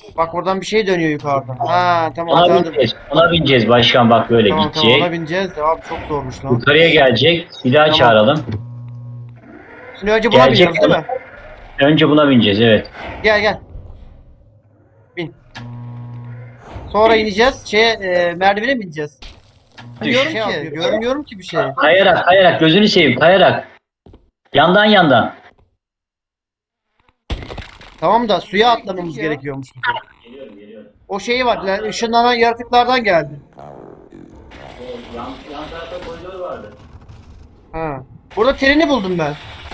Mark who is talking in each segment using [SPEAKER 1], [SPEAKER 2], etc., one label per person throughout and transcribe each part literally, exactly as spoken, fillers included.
[SPEAKER 1] Bak oradan bir şey dönüyor yukarıdan. Ha tamam
[SPEAKER 2] Ona
[SPEAKER 1] hatırladım.
[SPEAKER 2] bineceğiz. Ona bineceğiz başkan, bak böyle
[SPEAKER 1] Tamam tamam ona
[SPEAKER 2] gidecek.
[SPEAKER 1] bineceğiz de abi çok zormuş lan.
[SPEAKER 2] Yukarıya gelecek. Bir daha
[SPEAKER 1] Tamam.
[SPEAKER 2] çağıralım.
[SPEAKER 1] Şimdi önce buna
[SPEAKER 2] Gelecek.
[SPEAKER 1] biniyoruz değil mi?
[SPEAKER 2] Önce buna bineceğiz, evet.
[SPEAKER 1] Gel gel. Bin. Sonra ineceğiz. Şeye e, merdivene mi ineceğiz?
[SPEAKER 2] Düş.
[SPEAKER 1] Şey yapıyor, görmüyorum ki bir şey.
[SPEAKER 2] Kayarak kayarak gözünü seveyim, kayarak. Yandan yandan.
[SPEAKER 1] Tamam da suya atlamamız gerekiyormuş.
[SPEAKER 2] Geliyorum geliyorum.
[SPEAKER 1] O şeyi var. Yani ışınlanan yaratıklardan geldi.
[SPEAKER 2] Yan, yan tarafta koridor vardı.
[SPEAKER 1] Ha. Burada treni buldum ben.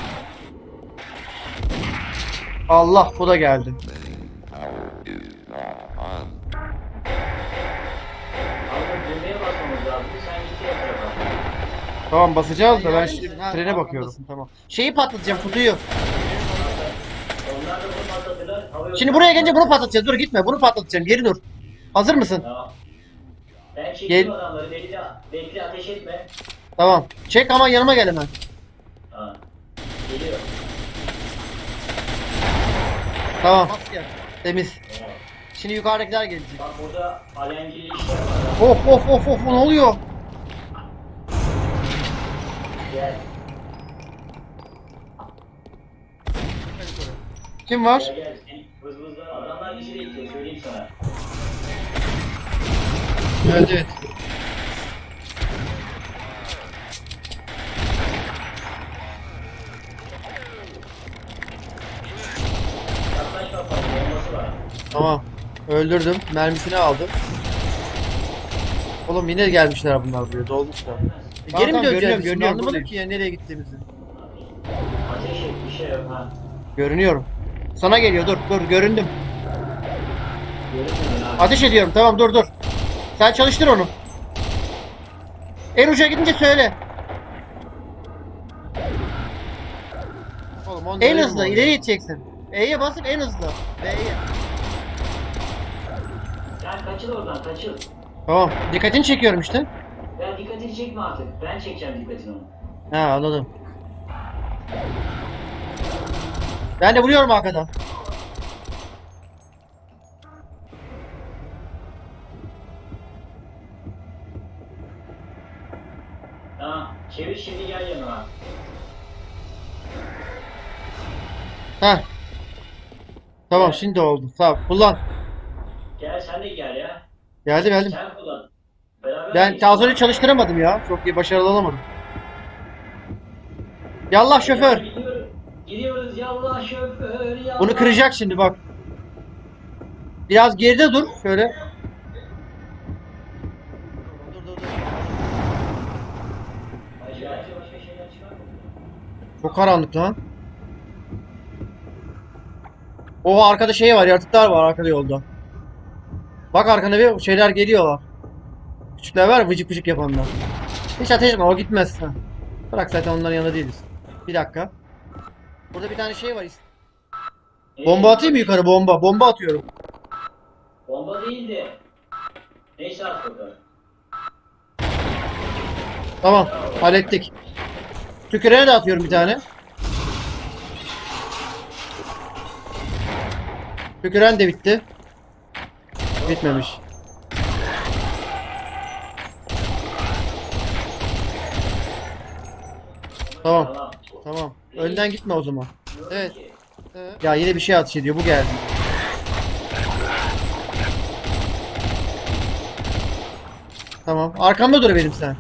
[SPEAKER 1] Allah bu da geldi.
[SPEAKER 2] Abi düğmeye basmamız lazım. Sen git diğer tarafa.
[SPEAKER 1] Tamam basacağız da ben şimdi trene bakıyorum. Tamam. Şeyi patlatacağım kutuyu.
[SPEAKER 2] Onlar da bunu patlatırlar. Havaya
[SPEAKER 1] Şimdi buraya gelince bunu patlatacağız. Dur gitme. Bunu patlatacağım. Geri dur. Hazır mısın?
[SPEAKER 2] Tamam. Ben
[SPEAKER 1] Gel.
[SPEAKER 2] çekeyim adamları. Bekle, bekle, ateş etme.
[SPEAKER 1] Tamam. Çek ama yanıma gel hemen.
[SPEAKER 2] Ha. Geliyor.
[SPEAKER 1] Tamam. Temiz. Şimdi yukarıdakiler gelecek.
[SPEAKER 2] Bak burada alengili işler var.
[SPEAKER 1] Of of of of ne oluyor?
[SPEAKER 2] Gel.
[SPEAKER 1] Kim var?
[SPEAKER 2] Gel gel. Seni vız vızlar. Adamlar bizi bekliyor. Söyleyeyim sana.
[SPEAKER 1] Evet evet.
[SPEAKER 2] Yaklaşma fazla. Bombası var.
[SPEAKER 1] Tamam. Öldürdüm. Mermisini aldım. Oğlum yine gelmişler bunlar buraya. Dolmuşlar. E, geri mi döneceğiz? Biz şimdi anlamadım ki ya nereye gittiğimizi.
[SPEAKER 2] Ateş et. Bir şey yok ha.
[SPEAKER 1] Görünüyorum. Sana geliyor dur dur göründüm.
[SPEAKER 2] Görünmüyor abi.
[SPEAKER 1] Ateş ediyorum tamam dur dur. Sen çalıştır onu. En uca gidince söyle.
[SPEAKER 3] Oğlum,
[SPEAKER 1] En hızlı ileri gideceksin. E'ye basıp en hızlı. B'ye.
[SPEAKER 2] Sen kaçıl oradan, kaçıl.
[SPEAKER 1] Tamam. Dikkatini çekiyorum işte.
[SPEAKER 2] Ya dikkatini çekme artık. Ben çekeceğim dikkatini onu.
[SPEAKER 1] Ha anladım. Ben de vuruyorum arkadan.
[SPEAKER 2] Tamam. Çevir şimdi, gel yanıma.
[SPEAKER 1] Ha. Tamam şimdi oldu. Tamam kullan.
[SPEAKER 2] Gel sen de gel ya.
[SPEAKER 1] Geldim geldim.
[SPEAKER 2] Sen kullan. Beraber
[SPEAKER 1] Ben
[SPEAKER 2] geçelim.
[SPEAKER 1] Tazon'u çalıştıramadım ya. Çok iyi başarılı olamadım. Yallah şoför.
[SPEAKER 2] Gidiyoruz. Gidiyoruz yallah şoför yallah.
[SPEAKER 1] Bunu kıracak şimdi bak. Biraz geride dur. Şöyle. Dur dur dur.
[SPEAKER 2] Başka başka şeyler çıkar mı?
[SPEAKER 1] Çok karanlık lan. O arkada şey var, yaratıklar var arkada yolda. Bak arkana bir şeyler geliyorlar. Küçükler var ya, vıcık vıcık yapanlar. Hiç ateş etme o gitmez. Ha. Bırak zaten onların yanında değiliz. Bir dakika. Burada bir tane şey var. Bomba atayım mı yukarı bomba? Bomba atıyorum.
[SPEAKER 2] Bomba değildi. Neyse at bakalım.
[SPEAKER 1] Tamam hallettik. Tükürene de atıyorum bir tane. Tüküren de bitti. Bitmemiş. Tamam.
[SPEAKER 2] Tamam.
[SPEAKER 1] Tamam. Önden gitme o zaman. Evet.
[SPEAKER 2] Ki.
[SPEAKER 1] Ya yine bir şey ateş ediyor. Bu geldi. Tamam. Arkamda dur benim sen.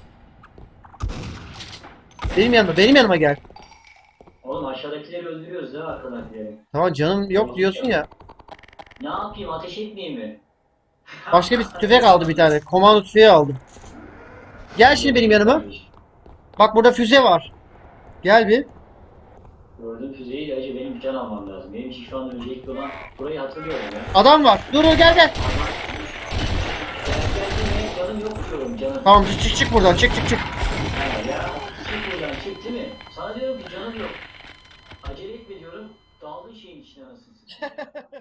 [SPEAKER 1] Benim yanıma, benim yanıma gel.
[SPEAKER 2] Oğlum aşağıdakileri öldürüyoruz ya, arkadakileri.
[SPEAKER 1] Tamam canım yok diyorsun ya.
[SPEAKER 2] Ne yapayım, ateş etmeyeyim mi?
[SPEAKER 1] Başka bir tüfek aldı bir tane. Komando tüfeği aldım. Gel şimdi benim yanıma. Bak burada füze var. Gel bir.
[SPEAKER 2] Gördüğüm füzeyi acı, benim bir can almam lazım. Benim için şu anda öncelikli olan burayı hatırlıyorum ya.
[SPEAKER 1] Adam var. Dur dur gel gel.
[SPEAKER 2] Ben geldiğimde canım yok diyorum, canım.
[SPEAKER 1] Tamam çık çık buradan. Çık çık çık.
[SPEAKER 2] Ha, ya çık buradan, çık değil mi? Sana diyorum ki canım yok. Acele etme diyorum. Daldın şeyin içine, anasını satayım.